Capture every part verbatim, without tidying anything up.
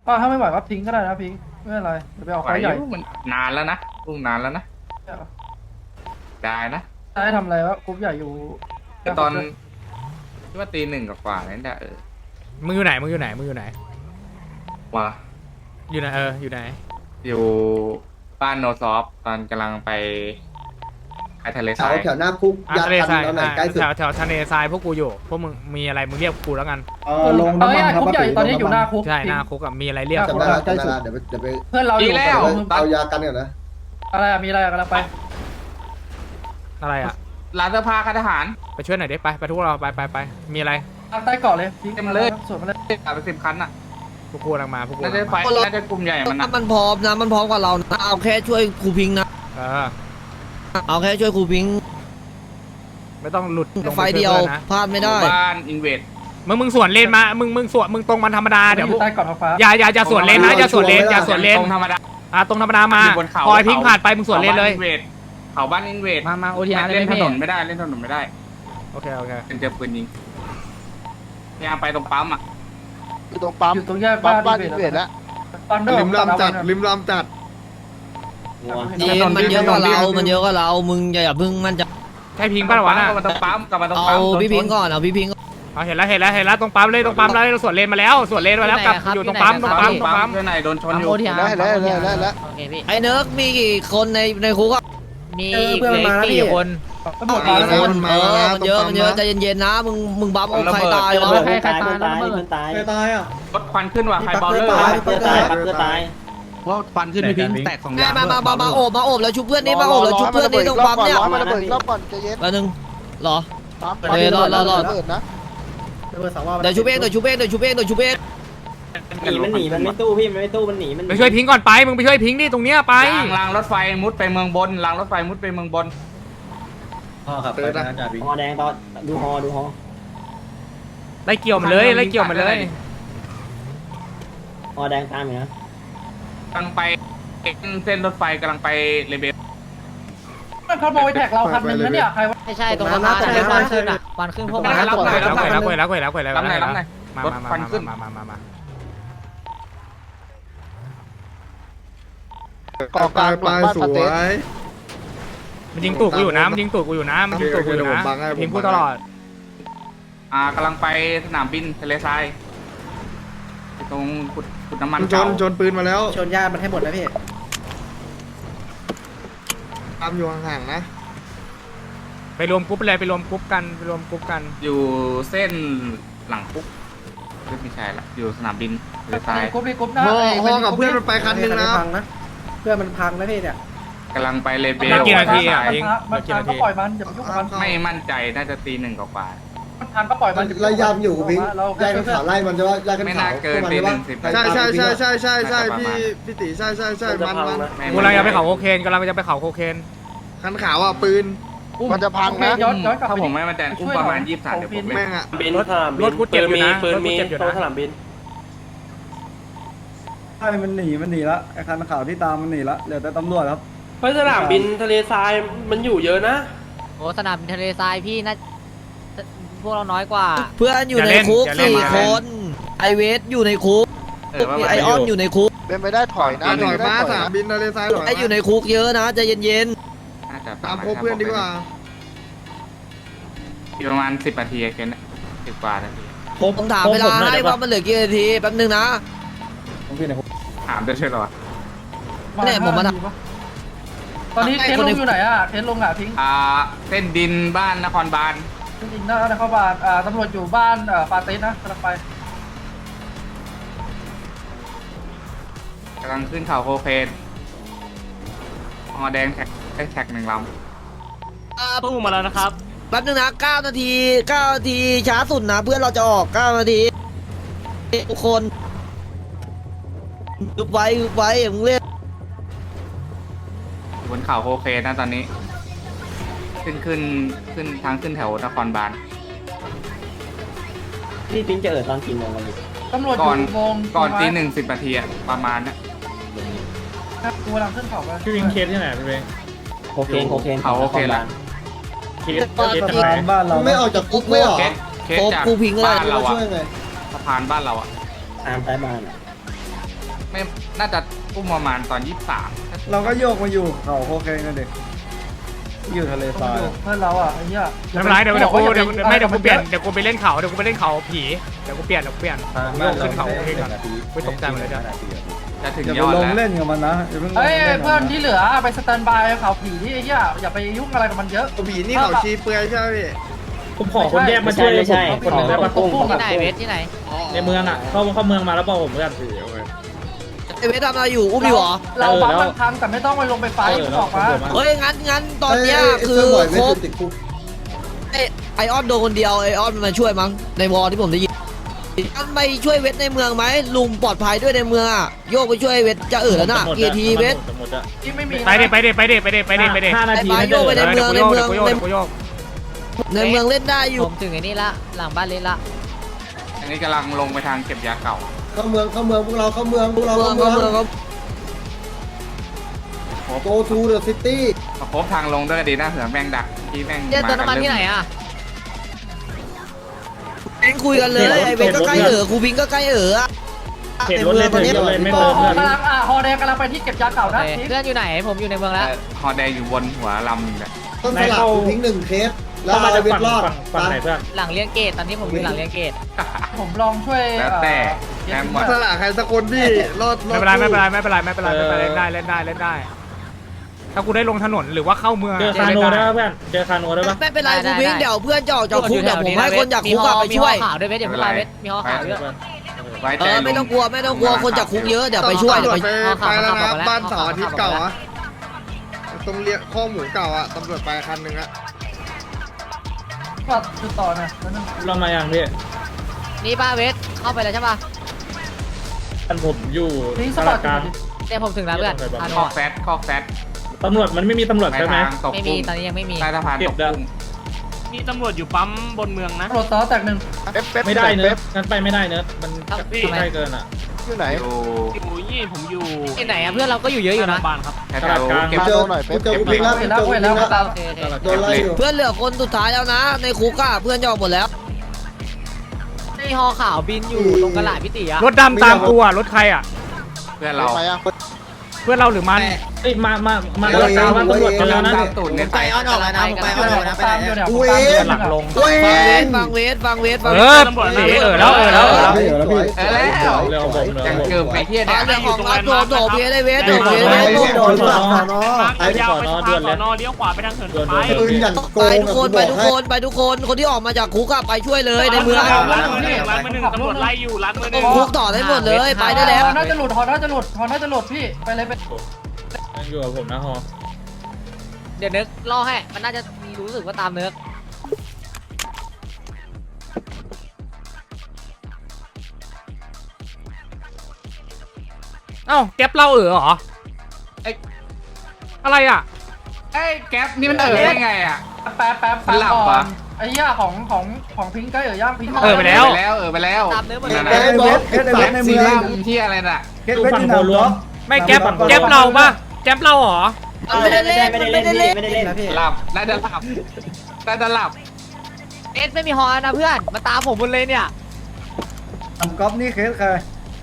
ก็ถ้าไม่ไหวก็ทิ้งก็ได้นะพิงไม่เป็นไรเดี๋ยวไปเอาไหวไฟใหญ่อยู่มันนานแล้วนะลุงนานแล้วนะได้นะจะให้ทำอะไรวะกรุ๊ปใหญ่อยู่แต่ตอนที่ว่าตีหนึ่งกว่าๆนั่นแหละเออมึงอยู่ไหนมึงอยู่ไหนมึงอยู่ไหนว่าอยู่ไหนเอออยู่ไหนอยู่บ้านโนซอฟตอนกำลังไปไปทะเลทแถราวย แถวหน้าคุกอ่ะยาทะเลกันทรายเราไหนอ่ะใกล้สุดแถวแถวทะเลทรายพวกกูอยู่พวกมึงมีอะไรมึงเรียกกูแล้วกันเออลงเอน้ำอมันครับกรุ๊ปใหญ่ตอนนี้อยู่หน้าคุกใช่หน้าคุกอะมีอะไรเรียกจำได้ละใกล้สุดเดี๋ยวไปเดี๋ยวไปเพื่อนเราอยู่ดีแล้วเอายากันก่อนนะอะไรอะมีอะไรอะกำลังไปอะไรอ่ะร้านเสื้อผ้าค่ายทหารไปช่วยหน่อยดิไปไปทุกเราไปไปไปมีอะไรทางใต้เกาะเลยพิงเต็มเลยสวนมาเลยขับไปสิบคันน่ะพวกกูกำลังมาพวกกูน่ากำจะลังไฟมาน่าจะกลุ่มใหญ่มันนะมันพร้อมนะมันพร้อมกว่าเรานะเอาแค่ช่วยครูพิงค์นะเออเอาแค่ช่วยครูพิงค์ไม่ต้องหลุดลงไฟไปเดียวพื่อนนะพลาดไม่ได้หมู่บ้านอินเวดมึงมึงสวนเลนมามึงมึงสวนมึงตรงมันธรรมดาเดี๋ยวอพวกใต้เกาะท้องฟ้าอย่าอย่าอย่าสวนเลนนะอย่าสวนเลนอย่าสวนเลนตรงธรรมดาอ่ะตรงธรรมดามาอยู่บนเขาพอยพิงผ่านไปมึงสวนเลนเลยเขาบ้านอินเวดมามาโอทีอาร์เล่นถพี่นนไม่ได้เล่นถนนไม่ได้โอเคโอเคเป็นเจอปืนยิงพยายามไปตรงปั๊มอ่ะอยู่ตรงปั๊มอยู่ตรงแยกปั๊บ้าม นบ้านอิอินนเวเวดดแล้วตอนเดิริมลำจัดริมลำจัดเย็นมันเยอะกว่าเรา มันเยอะกว่าเรา มึงอย่าอย่าเพึ่งมันจะใช่พิงป่ะวะน่ะกลับมาตรงปั๊มกลับมาตรงเอาปั๊มพี่พิงค์ก่อนเอาพี่พิงค์ก่อนเอาเห็นแล้วเห็นแล้วเห็นแล้วตรงปั๊มเลยตรงปั๊มเลยเราสวนเลนมาแล้วสวนเลนมาแล้วกลับอยู่ตรงปั๊มตรงปั๊มตรงปั๊มเพื่อนไหนโดนชนปั๊มอยู่โอทีอาร์แล้วแล้วแล้วแล้วแล้วโอเคพี่ไอ้เนิร์กมีกี่คนในในคุกอ่ะมีเหลือสี่คนตำรวจมาแล้วคนะนเออมันเยอะมันเยอะใจเย็นๆนะมึงมึงบัฟเอาใครตายวะใครใครตายแล้วเบิดใครตายอ่ะรถควันขึ้นว่ะใครเบาเลอร์เพื่อตายเพื่อตายว่าฟันขึ้นไม่พิงแตกสองอแม่ย่างมามามามาโอบมาโอบแล้วชุบเพื่อนนี่มาโอบแล้วชุบเพื่อนนี่ตรงปั๊มเนี่ยรอให้มันระเบิดอีกรอบก่อนใจเย็นแป๊บนึงเหรอปั๊มเดี๋ยวรอรอรอระเบิดนะเดี๋ยวชุบเองเดี๋ยวชุบเองเดี๋ยวชุบเองเดี๋ยวชุบเองหนีมันหนีมันไม่ตู้ไปช่วยพิงก่อนไปมึงไปช่วยพิงดิตรงเนี้ยไปรางรางรถไฟมุดไปเมืองบนรางรถไฟมุดไปเมืองบนพ่อครับไปนะจ่าพิงฮอแดงตอนดูฮอดูฮอไล่เกี่ยวมันเลยไล่เกี่ยวมันเลยฮอแดงตามอยู่นะกำลังไปเส้นรถไฟกำลังไปเลเบลมันขโมยแท็กเราคันนึงนะเนี่ยใครวะไม่ใช่ตรงสะพานอะควันขึ้นอะควันขึ้นพวกมันแล้วแล้วแล้วแล้วแล้วแล้วแล้วรับไหนรับไหนมารถมาควันขึ้นมามามามาก่อกลางหลังบ้านปาเต้มันยิงตูดกูอยู่นะมันยิงตูดกูอยู่นะมันยิงตูดกูอยู่นะพิงพูดตลอดอ่ากำลังไปสนามบินทะเลทรายตรงขุดขุดน้ำมันชเก่านชนปืนมาแล้วชนญาติมันให้หมดนะพี่ตามอยู่ห่างๆนะไปรวมกรุ๊ปเลยไปรวมกรุ๊ปกันไปรวมกรุ๊ปกันอยู่เส้นหลังปุ๊บไม่ใช่ละอยู่สนามบินทะเลทรายกรุ๊ปนี้กรุ๊ปหน้าพ่อไอ้พ่อกับเพื่อนมันไปคันนึงนะเพื่อนมันพังนะพี่เนี่ยกำลังไปเลเบเหลืลอกี่นาทีอ่ะมันพิงพังเหลืมันอกี่พังนาทีก็ปล่อยมันอย่าไปยุ่งกับมันไม่มั่นใจน่าจะตีหนึ่งกว่ามันพังก็ปล่อยมันไล่ยามอยู่พิงเราไล่กันขาวไล่มันจะว่าไล่กันไม่ขาน่าว เกินตีหนึ่งสิบใช่ใช่ใช่ใช่ใช่ใช่พี่พี่ติใช่ใช่ใช่มันมันกูกำลังจะไปเขาโคเคนกำลังจะไปเขาโคเคนคันขาวอ่ะปืนมันจะพังนะย้อนย้อนกลับถ้าไปผมไม่มั่นใจอุ้มประมาณยี่สิบสามเดี๋ยวผมแม่งอ่ะบินรถรถกูเจ็บอยู่นะรถกูเจ็บอยู่นะสนามบินใช่มันหนีมันหนีละไอ้คันขาวที่ตามมันหนีละเหลือแต่ตำรวจครับเพราะสนามบินทะเลทรายมันอยู่เยอะนะโอ้สนามบินทะเลทรายพี่น่าพวกเราน้อยกว่าเพื่อนอยู่ในคุกสี่คนไอเวสอยู่ในคุกเออว่าไอออนอยู่ในคุกเป็นไปได้ถอยนะถอยมาเป็นไปได้ถสาอยมนะบินทะเลทรายถอยไออยู่ในคุกเยอะนะใจเย็นน่าจะตามพบเพื่อนดีกว่าอยู่ประมาณสิบนาทีแค่นั้นสิบกว่านาทีๆผมถามเวลาให้ว่ามันเหลือกี่นาทีแป๊บนึงนะถามได้ใช่หรอเนี่ยผมมาทตอนนี้เทนลงอยู่ไหนอ่ะเทนลงอ่ะทิ้งอ่าเส้นดินบ้านนครบาลจริงๆนะนครบาลอ่าตำรวจอยู่บ้านอ่าปาเต้นะกำลังไปกำลังขึ้นเขาโคเคนฮอแดงแท็กได้แท็กหนึ่งลตู้มาแล้วนะครับแป๊บนึงนะเก้านาทีเก้านาทีช้าสุดนะเพื่อนเราจะออกเก้านาทีทุกคนอึบไว้อึบไว้มึงเล่นำอยู่บนเขาโคเคนนะตอนนี้ ขึ้นขึ้นขึ้นทางขึ้นแถวนครบาลพี่ปิ๊งจะเอิดตอนกี่โมงกันอยู่ตำรวจอก่อนยู่วงก่อนตีหนึ่งสิบนาทีอะประมาณนะครับกูกำลังขึ้นเขาไปพี่วิงเคสที่ไหนพี่เวงโคเคนโคเคนเขาโคเคนละเคสเคสจากไหนบ้านเราไม่ออกจากคุกไม่หรอเคสเคสโคจากกูพิงก็ได้บ้านเราอะช่วยไงสะพานบ้านเราอะตามใต้บ้านอ่ะไม่น่าจะอุ้มประมาณตอนยี่สิบสามเราก็โยกมาอยู่เขาโคเคนกันเด็กอยู่ทะเลทรายเพื่อนเราอ่ะไอ้เหี้ยไม่เป็นไรเดี๋ยวเดี๋ยวกูเดี๋ยวไม่เดี๋ยวกูเปลี่ยนเดี๋ยวกูไปเล่นเขาเดี๋ยวกูไปเล่นเขาผีเดี๋ยวกูเปลี่ยนเดี๋ยวกูเปลี่ยนโยกขึ้นเขาโอเคก่อนไม่ตกใจหมดเลยจ้ะจะถึงอย่าย ไปอดลงแล้วเล่นกับมันนะอย่าเพิ่งลงเฮ้ยเล่นเพื่อนที่เหลือไปสแตนบายเขาผีที่ไอ้เหี้ยอย่าไปยุ่งอะไรกับมันเยอะผีนี่เขาชี้เปลือยใช่ไหมพี่ผมขอคนแยกมาช่วยผมคนหนึ่งได้ปะที่ไหนเวทที่ไหนในเมืองอ่ะเข้าเข้าเมืองมาแล้วบอกผมเพื่อนไอเวททำอะไรอยู่อุ้มอยู่เหรอเราบังมันทันแต่ไม่ต้องไปลงไปไฟออกมาเฮ้ยงั้นงั้นตอนเนี้ยคือครบไอไอออนโดนคนเดียวไอออนมันมาช่วยมั้งในวอลที่ผมได้ยินงั้นไปช่วยเวทในเมืองไหมลุงปลอดภัยด้วยในเมืองอ่ะโยกไปช่วยเวทจะเออแล้วน่ะเกียร์ทีเวทที่ไม่มีไปเด็ไปเด็ไปเด็ไปเด็ไปเด็ไปเด็ห้านาทีไปโยกไปในเมืองในเมืองกูโยกกูโยกในเมืองเล่นได้อยู่ผมถึงไอ้นี่ละหลังบ้านเล่นละอันนี้กำลังลงไปทางเก็บยาเก่าเข้าเมืองเข้าเมืองพวกเราเข้าเมืองพวกเราเมืองก็เมืองก็ go to the city มาพบทางลงด้วยก็ดีนะเผื่อแม่งดักที่แม่งเจ๊เติมน้ำมันที่ไหนอ่ะเอ็งคุยกันเลยไอเวทก็ใกล้เออครูบิงก็ใกล้เอออะเห็นรถเลยถึงเลยไม่ฮเติมอกเพื่อนำลังอ่ะฮอแดงกำลังไปที่เก็บยาเก่านะเพื่อนอยู่ไหนผมอยู่ในเมืองแล้วฮอแดงอยู่บนหัวลำอยู่เนี่ยต้นสลับทิ้งหนึ่งเคสแล้วเข้ามาเอาจากเวทฝั่งรอดฝั่งฝั่งไหนเพื่อนหลังเลี้ยงเกตตอนนี้ผมอยู่หลังเลี้ยงเกตผมลองช่วยแล้วแต่แอมหมดสละใครสักคนพี่รอดไม่เป็นไรไม่เป็นไรไม่เป็นไรไม่เป็นไรไม่เป็นไรเล่นได้เล่นได้เล่นได้ ถ้ากูได้ลงถนนหรือว่าเข้าเมืองเจอคาโนได้ปะเพื่อนเจอคาโนได้ปะไม่เป็นไรครูบิงเดี๋ยวเพื่อนจะออกจากคุกเดี๋ยวผมให้คนจากคุกอะไปช่วยมีฮอขาวด้วยเวทเดี๋ยวพวกเราเวทมีฮอขาวด้วยไว้เอใจอไม่ต้องกลัวไม่ต้องกลัวคนจากคุกเยอะเดี๋ยวไปช่วยเดี๋ยวไปไปไปแล้วนะบ้านเสาร์อาทิตย์เก่าอะตรงเรียกข้อหมูเก่าอะตำรวจไปคันหนึ่งอะก็จุดต่อนะแล้วนึงเรามาอย่างพี่นี่ป้าเวทเข้าไปแล้วใช่ป่ะท่านผมอยู่ทิ้งสตปอลาร์ดตกลางเดี๋ยวผมถึงแล้วเพื่อนอาโนคอกแฟตคอกแฟตตำรวจมันไม่มีตำรวจในใช่ไหมทางตกไม่มีกุ้งตอนนี้ยังไม่มีใต้สะพานตกกุ้งมีตำรวจอยู่ปั๊มบนเมืองนะตำรวจต่อแตกหนึ่งเป๊ปเป๊ปไม่ได้เนเป๊อะปงั้นไปไม่ได้เนอะมันครับใกล้เกินอ่ะอยู่ไหนอยู่อยู่ยี่ผมอยู่ที่ไหนอ่ะเพื่อนเราก็อยู่เยอะอยู่นะบ้านครับแถวๆเก็บมาโดนหน่อยเป๊ปเจอเป๊ปกูพิงแล้วเห็นแล้วเห็นแล้วตามโอเคโอเคโดนไล่อยู่เพื่อนเหลือคนสุดท้ายแล้วนะ ในคุกอะเพื่อนจะออกหมดแล้วนี่ฮอขาวบินอยู่ตรงกระหล่ำพิติอ่ะรถดำตามกูอ่ะรถใครอ่ะเพื่อนเราไปยังเพื่อนเราหรือมันเอ้ยมามามาตลาดกลางว่าตำรวจกันแล้วนะตามตูดเนี่ยไปอ้อนออกแล้วนะผมไปอ้อนออกแล้วนะตามอยู่เนี่ยกูเองหลักลงกูเอฟังเวงทฟังเวทฟังเอเวทอฟังเวทเออแล้วเออแล้วเออแล้วเดี๋ยวแล้วพี่เออแล้วเร็วผมเร็วยังผมเกือบไปเที่ยอ่ะเนี่ยเรื่องของรับโดนโดนเพียได้เวทโดนเพียไอ้ได้เวทโดนหลักสอนอทางยาวไปสะพานสอนอเลี้ยวขวาไปทางเหินไปปืนอย่างโกไปงทุกคนไปทุกคนไปทุกคนคนที่ออกมาจากคุกอะไปช่วยเลยในเมืองร้านมือหนึ่งร้านมือหนึ่งตำรวจไล่อยู่ร้านมือหนึ่งคุกต่อได้หมดเลยไปได้แล้วฮอน่าจะหลุดฮอน่าจะหลุดฮอน่าจะหลุดพี่ไปเลยไปยังอยู่กับผมนะฮอเดี๋ยวนึกล่อให้มันน่าจะมีรู้สึกว่าตามเนื้อเอ้าแก๊ปเราเออเหรออะไรอ่ะไอ้แก๊ปนี่มันเออได้ไงอ่ะแป๊บแป๊บมันหลับก่อปะนไอ้เหี้ยของของของพิงค์ก็เอ๋ย่างพิงค์เออไปแล้วเออไปแล้วเออไปแล้วตามเนื้อหมดนั่นเลน่ะยไอ้เวทเคสไอ้เวทในซีเมืองรั่มที่อะไรน่ะเคสเวทที่หนามรบไม่แก๊ปแก๊ปเราปะแก๊ปเราเหรอไม่ได้เล่นไม่ได้เล่นไม่ได้เล่นนะพี่หลับน่าจะหลับน่าจะหลับเอสไม่มีฮอนะเพื่อนมาตามผมหมดเลยเนี่ยทำก๊อฟนี่เคสใคร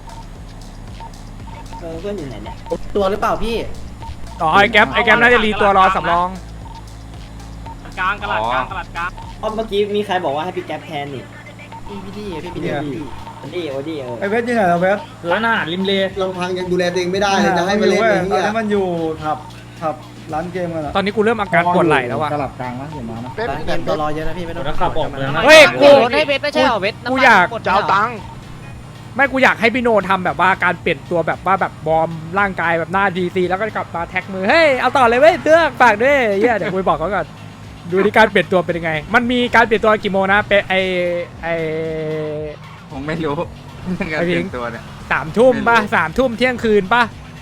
ตัวหรือเปล่าพี่อ๋อไอ้แก๊ปไอ้แก๊ปน่าจะรีตัวรอสำรองกลางกระดาษกลางกระดาษกลางเมื่อกี้มีใครบอกว่าให้พี่แก๊ปแทนนี่พี่พี่ดีพี่ดีโอดีโอดีเออไอ้เวทยังไงเราเวทร้านอาหารริมเลลำพังยังดูแลตัวเองไม่ได้เลยจะให้มาเล่นเว้ยอย่างตอนเงี้ยนี้มันอยู่ทับทับร้านเกมกันอะตอนนี้กูเริ่มอาการปวดไหล่แล้วว่ะสลับกลางนะอย่ามานะเป๊ปเป๊ปเป๊ปผมจะขับออกเมืองนะเฮ้ยกูรถให้เวทไม่ใช่เหรอเวทน้ำมันกูอยากหมดจะเอาตังค์ไม่กูอยากให้พี่โนทำแบบว่าการเปลี่ยนตัวแบบว่าแบบวอร์มร่างกายแบบหน้าดีซีแล้วก็กลับมาแท็กมือเฮ้ยเอาต่อเลยเว้ยเตื้อกฝากด้วยเหี้ยเดี๋ยวกูไปบอกเขาก่อนดูที่การเปลี่ยนตัวเป็นยังไง มันมีการเปลี่ยนตัวกี่โมงนะเป็นไอไอผมไม่รู้เรื่องการไอ้พิเปลี่งยนตัวเนี่ยสามทุ่มป่ะไม่รู้สามทุ่มเที่ยงคืนป่ะ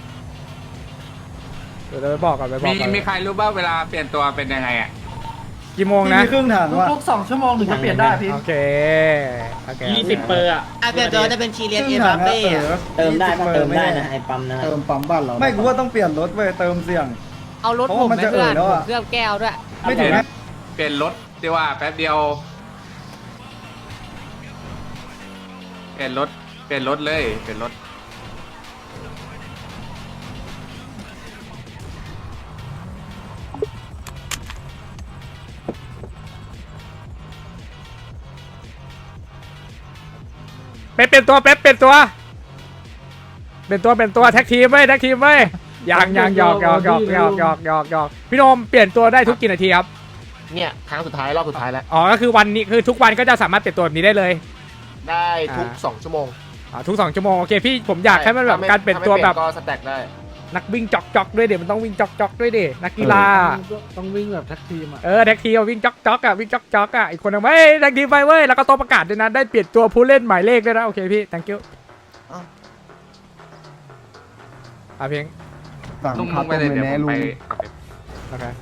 เดี๋ยวเราไปบอกก่อนไปบอกมีก่อนมีใครรู้บ้างเวลาเปลี่ยนตัวเป็นยังไงอ่ะกี่โมงพี่นะมีครึ่งถังว่ะทุกๆสองชั่วโมงถึงจะเปลี่ยนได้พี่โอเคโอเคยี่สิบเปอร์อะเปลี่ยนตัวจะเป็นชีเลียนครึ่เอ็งมถับาง เป้อะอะเติมได้ปะเติมได้นะไอ้ปั๊มนะเติมปั๊มบ้านเราไม่กูว่าต้องเปลี่ยนรถเว้ยเติมเสี่ยงเอารถเพราะผมว่ามันไปจะเพื่อนเอ่อแล้วผอะมเคลือบแก้วด้วยไม่ถึงนะเปลี่ยนรถดีว่าแป๊บเดียว เปลี่ยนรถเปลี่ยนรถเลยเปลี่ยนรถป๊ปเป็นตัวเป๊ปเป็นตัวเป็นตัวเป็นตัวแท็กทีมเว้ยแท็กทีมเว้ยยังยังหยอกหยอกหยอกหยอกหยอกหยอกหยอกพี่โนมเปลี่ยนตัวได้ทุกกี่นาทีครับเนี่ยครั้งสุดท้ายรอบสุดท้ายแล้วอ๋อก็คือวันนี้คือทุกวันก็จะสามารถเปลี่ยนตัวแบบนี้ได้เลยได้ทุกอ่าสองชั่วโมงอ๋อทุกสองชั่วโมงโอเคพี่ผมอยากให้มันแบบถ้ไม่การเปลี่ยนตัวแบบถ้าไม่เปลี่ยนก็สแต็กได้นักวิ่งจ็อกจ็อกด้วยเดี๋ยวมันต้องวิ่งจ็อกจ็อกด้วยดินักกีฬาต้องวิ่งแบบแท็กทีมอ่ะเออแท็กทีมวิ่งจ็อกจ็อกอ่ะวิ่งจ็อกจ็อกอ่ะอีกคนนึงเฮ้ยแท็กทีมไปเว้ยแล้วก็ตัวประกาศด้วยนะได้เปลี่ยนตัวผู้เล่นหมายเลขด้วยนะโอเคพี่ thank you อ่ะเพียงสั่งลุงคาลุงต้ไปมเลยเลยเดี๋ยวแน่ผมลุไปงโอเค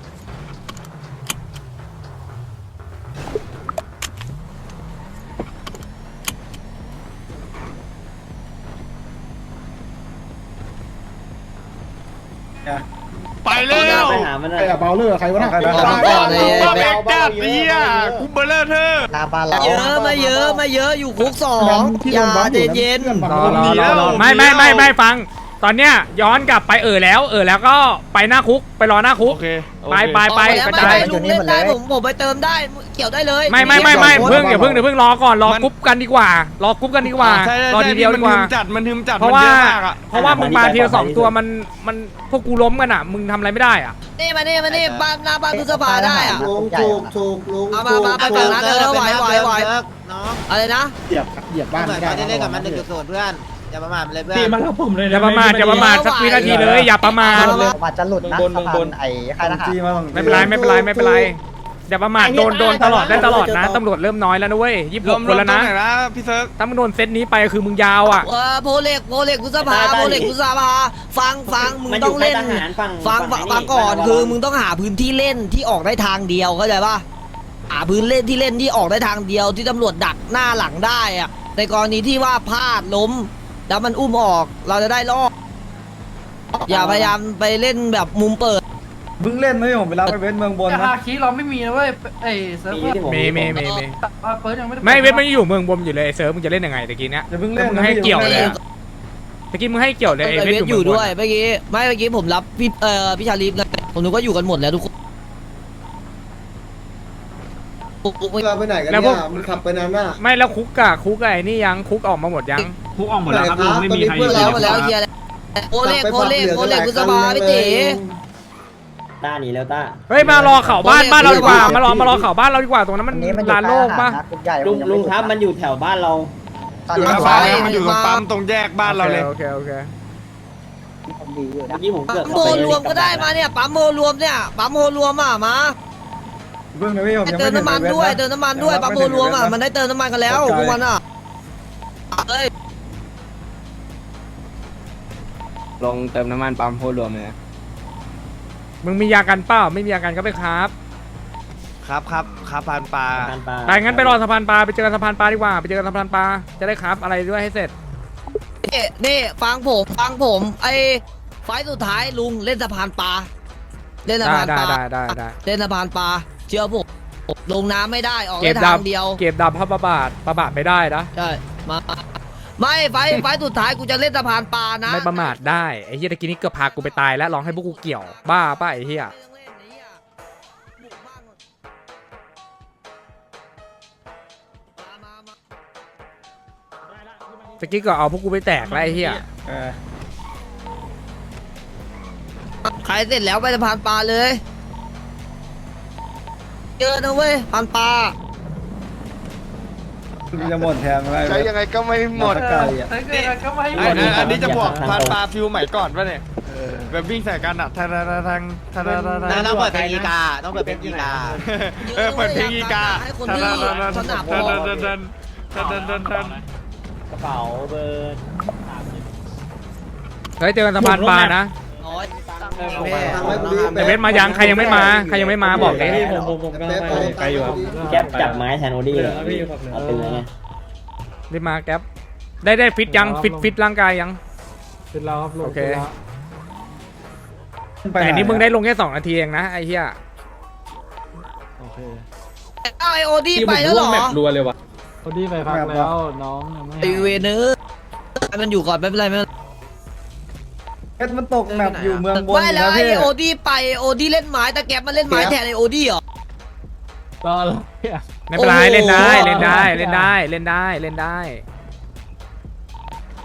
ไปเร็วไปหามันใครอะเบลเลอร์ใครวะน่ะใครนะมาก่อนเลยมาเบกจัดเฮียกูเบลเลอร์เธอหน้าบ้านเราเยอะมาเยอะมาเยอะอยู่คุกสองอย่าเย็นเย็นรอรอรอรอไม่ไม่ไม่ไม่ฟัง ตอนเนี้ยย้อนกลับไปเออแล้วเออแล้วก็ไปหน้าคุกไปรอหน้าคุกโอเคไปไปไปกระจายลุงเล่นได้ผมผมไปเติมได้เกี่ยวได้เลยไม่ไม่ไม่ไม่เพิ่งเดี๋ยวเพิ่งเดี๋ยวเพิ่งรอก่อนรอกรุ๊ปกันดีกว่ารอกรุ๊ปกันดีกว่าใช่ใช่รอทีเดียวดีกว่ามันทึมจัดมันทึมจัดเพราะว่ามันยอะมากอะเพราะว่ามึงมาทีละสองตัวมันมันพวกกูล้มกันอ่ะมึงทำอะไรไม่ได้อ่ะนี่มานี่มานี่บ้านหน้าบ้านพฤษภาได้อะลุงถูกถูกลุงเอามามาไปฝั่งนั้นเออไหวไหวไหวอะไรนะเหยียบเหยียบบ้านไม่ได้นะเพื่อนอย่าประมาทเลยเพื่อนตีมาแล้วผมเลยอย่าประมาทอย่าประมาทสักวินาทีเลยอย่าประมาทมาจะหลุดนะสะพานไอ้ค่ายทหารไม่เป็นไรไม่เป็นไรไม่เป็นไรอย่าประมาทโดนโดนตลอดได้ตลอดนะตำรวจเริ่มน้อยแล้วนะเว้ยยี่สิบรหวกมคนแล้วนะรมตรงไหนนะพี่เซิร์ฟถ้ามึงโดนเซตนี้ไปคือมึงยาวอ่ะเออโพเล็กโพเล็กพฤษภาโพเล็กพฤษภาฟังฟังมึงต้องเล่นฟังฟังฟังก่อนคือมึงต้องหาพื้นที่เล่นที่ออกได้ทางเดียวเข้าใจป่ะหาพื้นเล่นที่เล่นที่ออกได้ทางเดียวที่ตำรวจดักหน้าหลังได้อะในกรณีที่ว่าพลาดล้มแล้วมันอุ้มออกเราจะได้รอดอย่าพยายามไปเล่นแบบมุมเปิดเพิ่งเล่นนะผมไปรับไปเวทเมืองบนแต่นะฮาคิเราไม่มีนะเว้ยไอ้เซิร์ฟเวอร์เมย์เมย์เมย์เมย์อ่ะเฟิร์สยังไม่ได้ไม่เว้ยมันอยู่เมืองบนอยู่เลยเซิร์ฟมึงจะเล่นยังไงตะกี้เนี้ยอย่าเพิ่งเล่นมึงให้เกี่ยวเลยอะตะกี้มึงให้เกี่ยวเลยไอไอ้เวเวททออยู่ ยู่เมืองบด้วยนเมื่อกี้ไม่เมื่อกี้ผมรับพี่เอ่อพี่ชาลีฟไงผมนึกว่าอยู่กันหมดแล้วทุกคนเราไปไหนกันเนี่ยมันขับไปนานน่ะไม่แล้วคุกอะคุกอะไอ้นี่ยังคุกออกมาหมดยังคุกออกหมดแล้วครับลุงไม่มีใครหมดแล้วหมดแล้วเคลียร์แล้วโอเล็กโอเล็กโอเล็กพฤษภาพี่ตีต้าหนีแล้วต้าเฮ้ยมารอเข่าบ้านบ้านเราดีกว่ามารอมารอเข่าบ้านเราดีกว่าตรงนั้นมันลานโล่งปะลุงลุงครับมันอยู่แถวบ้านเราอยู่หน้าบ้านแล้วมันอยู่ตรงปั๊มตรงแยกบ้านเราเลยโอเคโอเคเมื่อกี้ผมเกือบปั๊มโมรวมก็ได้มาเนี่ยปั๊มโมรวมเนี่ยปั๊มโมรวมอ่ะมาเพิ่งนะพี่ผมยังเติไม่มน้ำมันด้วยเติมน้ำมันด้วยปั๊มโมรวมอ่ะมันได้เติมน้ำมันกันแล้วพวกมันอ่ะเอ้ยลงเติมน้ำมันปั๊มโพรวมเลยมึงมียากันเปล่าไม่มียากันก็ไปครับครับครับครับพานปลาไปงั้นไปรอสะพานปลาไปเจอกันสะพานปลาดีกว่าไปเจอกันสะพานปลาจะได้ครับอะไรด้วยให้เสร็จนี่นี่ฟังผมฟังผมไอ้ไฟล์สุดท้ายลุงเล่นสะพานปลาเล่นสะได้พานได้ปลาได้ได้ได้เล่นสะพานปลาเชื่อผมลงน้ำไม่ได้ออกเก็ได้บทาดับงเดียวเก็บดับพระประบาทประบาทไม่ได้นะใช่มาไม่ไฟล์ไฟล์สุดท้ายกูจะเล่นสะพานปลานะไม่ประมาทได้ไอ้เฮียตะกี้นี้เกือบพากูไปตายแล้วลองให้พวกกูเกี่ยวบ้าป่ะไอ้เฮียตะกี้ก็เอาพวกกูไปแตกแล้วไอ้เฮียเออใครเสร็จแล้วไปสะพานปลาเลยเจอนะเว้ยสะพานปลาจะหมดแทนอะไรใช้ยังไงก็ไม่หมดไกลอ่ะเฮ้ยเกิดก็ไม่หมไอ้ดอันนี้จะบอกพานปลาฟิวใหม่ก่อนป่ะเนี่ยแบบวิ่งใส่กันอ่ะทางทางทางทางทางต้องเปิดเพลงอีกาต้องเปิดเพลงอีกาเออเปิดเพลงอีกาให้คนทางที่ทางทางสทางนับทางทางทางทางทางทางทางกระเป๋าเบอร์เฮ้ยเจอกันสะพานปลานะน้อยแต่เวทมายังใครยังไม่มาใครยังไม่มาบอกเลยไกลอยู่ครับแก๊ปจับไม้แทนโอดี้เลยเอาเป็นไงรีบมาแก๊ปได้ได้ฟิตยังฟิตฟิตร่างกายยังเป็นเราครับลุงโอเคแต่อันนี้มึงได้ลงแค่สองนาทีเองนะไอ้เหี้ยโอเคเอาไอโอดี้ไปแล้วเหรอพอดีไปพักแล้วน้องยังไม่ไอเวเนอร์ให้มันอยู่ก่อนไม่เป็นไรไม่เป็นไรเพชรมันตกแมปอยู่เมืองบนไม่แล้วนะไอพี่โอดี้ไปโอดี้เล่นไม้แต่แก๊ปมันเล่นไม้แทนไอโอดี้เหรอรออะไรไม่เป็นไรโอ้โหเล่นได้เล่นได้เล่นได้เล่นได้เล่นได้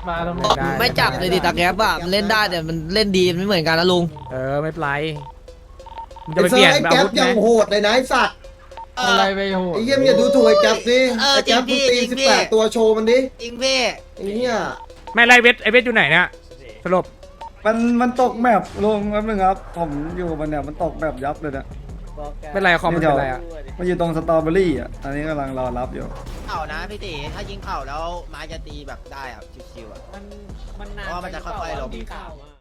มาตรงนี้ได้ไม่จับเลยดิตาแก๊ปอะมันเล่นได้แต่มันเล่นดีมันไม่เหมือนกันนะลุงเออไม่เป็นไรมึงจะไอ้ไปเซเปอลี่ยนร์ไอ้อาแก๊วุปธไหมยังโหดเลยนะไอ้สัตว์อะไรไปโหไอ้เยี่ยมอย่าดูถูกไอ้แก๊ปสิไอ้แก๊ปมึงตีสิบแปดตัวโชว์มันดิอิงพี่ไอ้เนี่ยไม่ไรเวทไอเวทอยู่ไหนเนี่ยสรุปมันมันตกแมปลงแป๊บนึงครับ ผมอยู่กับมันเนี่ยมันตกแมปยับเลยเนี่ยเป็นไรคอมมันเป็นไรอ่ะมันอยู่ตรงสตรอเบอรี่อ่ะอันนี้กำลังรอรับอยู่เข่านะพี่ตีถ้ายิงเข่าแล้วไม้จะตีแบบได้อ่ะชิวๆอ่ะมันมันนานเพราะว่ามันจะค่อยๆลงเข่าอะ